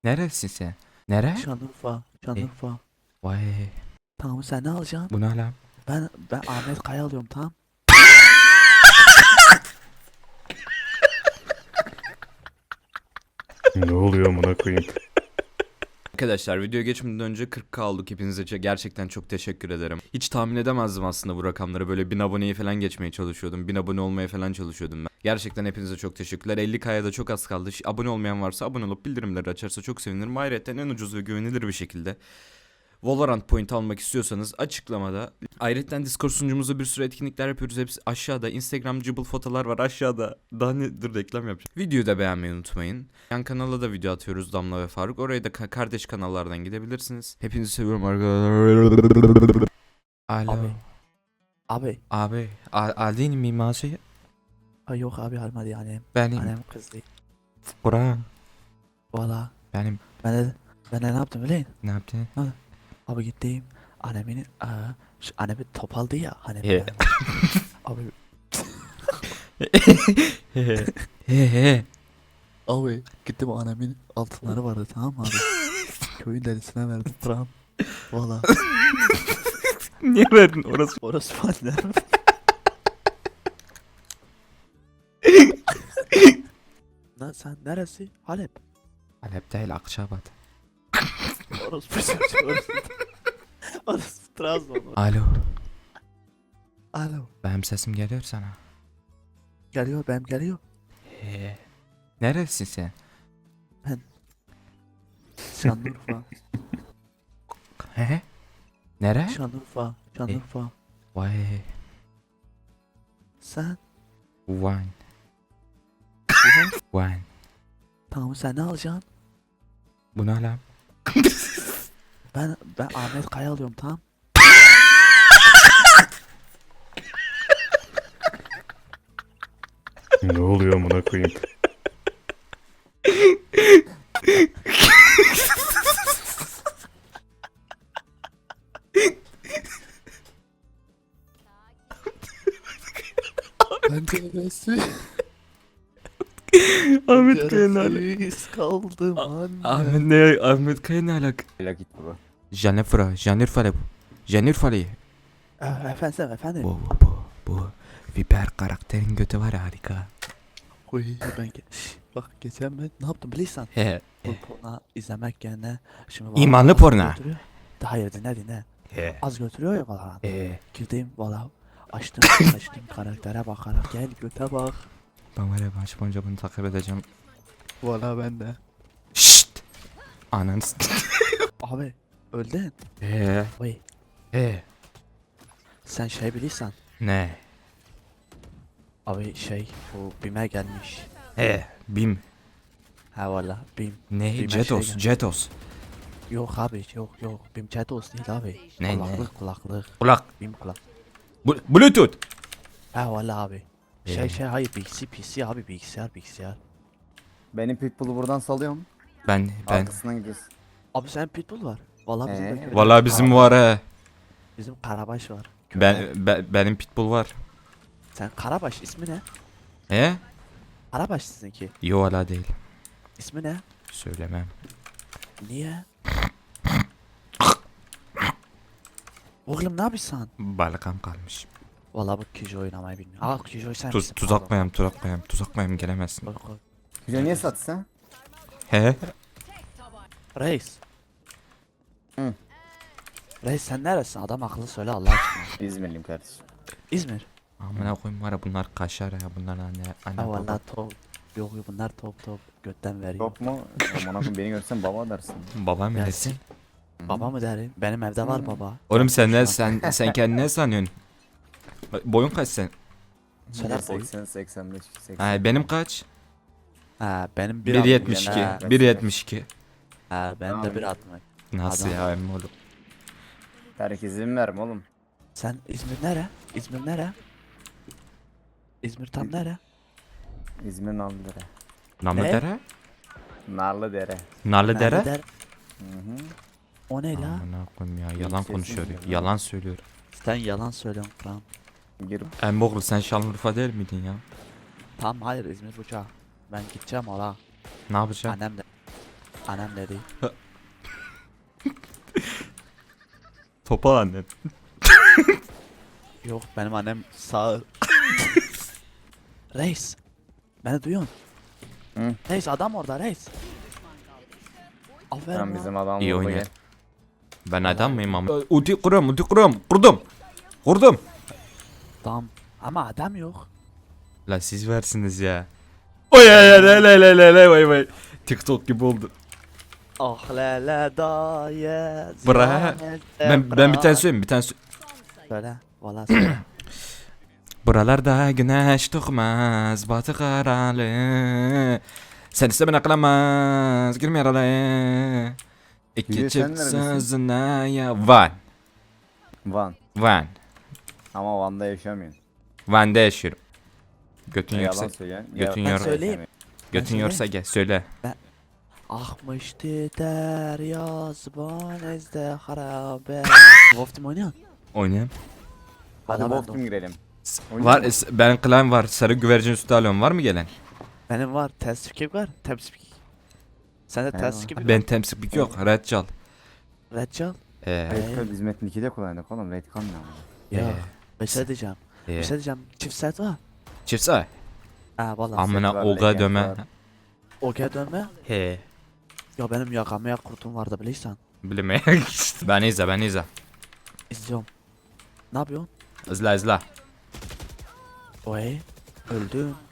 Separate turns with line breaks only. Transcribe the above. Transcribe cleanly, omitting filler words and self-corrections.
Neresin sen? Nere?
Şanlıurfa. Şanlıurfa.
Vay.
Tamam sen ne alacaksın?
Bu ne lan?
Ben Ahmet Kaya alıyorum tamam.
Ne oluyor amına koyayım?
Arkadaşlar videoya geçmeden önce 40K olduk, hepinize gerçekten çok teşekkür ederim. Hiç tahmin edemezdim aslında bu rakamları, böyle 1000 aboneyi falan geçmeye çalışıyordum. 1000 abone olmaya falan çalışıyordum ben. Gerçekten hepinize çok teşekkürler. 50K'ya da çok az kaldı. Abone olmayan varsa abone olup bildirimleri açarsa çok sevinirim. Ayrıca en ucuz ve güvenilir bir şekilde Valorant point almak istiyorsanız açıklamada. Ayrıca Discord sunucumuzda bir sürü etkinlikler yapıyoruz. Hepsi aşağıda. Instagram cıbıl fotolar var aşağıda. Daha ne? Dur reklam yapacağım. Videoyu da beğenmeyi unutmayın. Yan kanala da video atıyoruz, Damla ve Faruk. Oraya da kardeş kanallardan gidebilirsiniz. Hepinizi seviyorum arkadaşlar. Alo.
Abi. Abi.
Abi. Aldın mı maaşı?
Ay yok abi almadı annem.
Benim.
Annem kızdı.
Burak.
Valla.
Benim.
Ben de ne yaptım biliyor musun?
Ne yaptın?
Abi gittim. Annemin annemi top aldı ya hani.
He.
Abi.
He.
Abi gittim annemin altınları vardı tamam mı abi? Köyün derisine verdim param. Valla.
Niye verdin orası?
Orası annem. Lan sen neresi? Halep.
Halep değil, Akçabat.
Orası Orası Trabzon.
Alo.
Alo.
Benim sesim geliyor sana.
Geliyor benim geliyor.
He. Neresin sen?
Şanlıurfa.
He? Nere?
Şanlıurfa. Şanlıurfa.
Vay.
Sen.
Wine. Wine.
Tamam sen ne alacaksın?
Bu ne lan?
Ben Ahmet Kaya alıyorum tamam.
Ne oluyor amına koyayım?
Ben neresi?
Ahmet Kaya ne alaka?
Neresiz kaldım anne.
Ahmet Kaya ne alaka?
Hala git baba.
Jennifer bu. Jennifer.
Efendim.
Bu Viper karakterin götü var ya, harika.
Oy bak geçen ben ne yaptım biliyorsan.
He.
Bu porno izlemek yerine şimdi
İmanlı
az
porno.
götürüyor. Hayır dinle.
He.
Az götürüyor ya valla. Girdim valla. Açtım karaktere bakarak gel göte bak.
Ben var ya, maç boyunca bunu takip edeceğim.
Valla ben de.
Şşt. Ananı
Abi öldün.
He.
Oy
He.
sen şey bilirsen.
Ne?
Abi şey bu BİM'e gelmiş.
He. Bim.
Ha valla BİM.
Ne?
Bime
Jetos.
şey
Jetos.
Yok abi yok. BİM Chatos değil abi.
Ne?
Kulaklık.
Kulak.
BİM kulak.
Bluetooth.
Ha valla abi.
Ee.
Hayır PC abi bilgisayar.
Benim pitbull'u buradan salıyorum.
Ben.
Arkasından gidiyoruz.
Abi sen pitbull var. Valla bizim de köyde
Vallahi bizim
Karabaş-
var he.
Bizim Karabaş var.
Benim pitbull var.
Sen Karabaş ismi ne?
He?
Karabaş sizinki.
Yo, hala değil.
İsmi ne?
Söylemem.
Niye? Oğlum ne yapıyorsun?
Balkam kalmış.
Valla bu Kijo oynamayı bilmiyor. Aa Kijo sen misin?
Tuzakmayayım gelemezsin.
Pardon. Koy.
Güzel niye satsın?
He?
Reis.
Hı.
Reis sen neresin? Adam akıllı söyle Allah aşkına.
İzmirliyim kardeşim.
İzmir.
Amına koyayım var ya, bunlar kaşar ya, bunlar anne
Ha
baba.
valla top. Yok bunlar top götten veriyor.
Top mu? Aman akım beni görsen baba dersin.
Babam
Ya
nesin?
Baba mı derim? Benim evde var baba.
Oğlum sen ne
Şu an-
sen kendini ne sanıyorsun? Boyun kaç sen?
Söyle boy.
80, 85, 80.
Ha, benim kaç?
Ha benim
1.72.
Ha.
1.72.
Ha benim de
Tamam.
1.60.
Nasıl
Adam.
ya emmi oğlum?
Herkese mi verme oğlum?
Sen İzmir nere? İzmir nere? İzmir tam nere?
İzmir Narlıdere.
Namlıdere?
Narlıdere.
Narlıdere?
Nerede der?
Hı hı.
O ne la?
Amına koyayım ya, yalan
Sesin
konuşuyor.
ya.
Yalan söylüyor.
Sen yalan söylüyorsun lan.
Gir.
Emmi oğlum sen Şanlıurfa değil miydin ya?
Tamam hayır İzmir uçağı. Ben gideceğim ola.
Ne yapacaksın?
Annem de. Annem dedi.
Topal annen.
Yok benim annem sağ. Reis. Beni duyuyorsun.
Hı.
Reis adam orada reis. Aferin
Tamam
lan.
bizim adam
İyi
vurdu
oynuyor.
gel.
Ben adam mıyım ama? Ulti kuruyorum. Kurdum.
Tamam. Ama adam yok.
La siz versiniz ya. Oy vay. TikTok gibi oldu.
Ah lele daye.
Bra. Ben bir tane söyleyeyim,
Söyle. Valla söyle.
Buralarda güneş doğmaz, batı karalı. Sen istemene aklamaz, girme yaralı. İki
Gülüyor, sen
çift
neredesin?
sözüne ya. Van.
Ama Van'da yaşamıyorsun.
Van'da yaşıyorum. Götün
Yalan
yoksa,
söylüyorsun.
götün
Ben
yor,
söyleyeyim.
götün
söyleyeyim.
yorsa gel söyle.
Akmıştı derya zıban ezde harabe. Wolf Team oynuyor.
Oynayayım.
Hadi
Valla ben
Wolf
de-
Team girelim. Oynayalım
Var,
mı?
ben klan var, sarı güvercin sütü alıyorum, var mı gelen?
Benim var. Tespik var. Tespik. Sende
Eyvallah.
tespik var.
Ben temsiplik yok, red çal.
Red Jal.
Red Card biz Metin 2'de kullandık oğlum. Red Card ne ama?
Ya. Bir şey diyeceğim. Bir şey diyeceğim. Çift set var.
Çift say.
Ha valla.
Amına
var,
oga
legend
döme.
var.
Okey dönme.
He.
Ya benim yakamaya kurtum vardı bilirsen.
Bilmeye. ben izle.
İzliyorum. Ne yapıyorsun?
İzle.
Oy. Öldüm.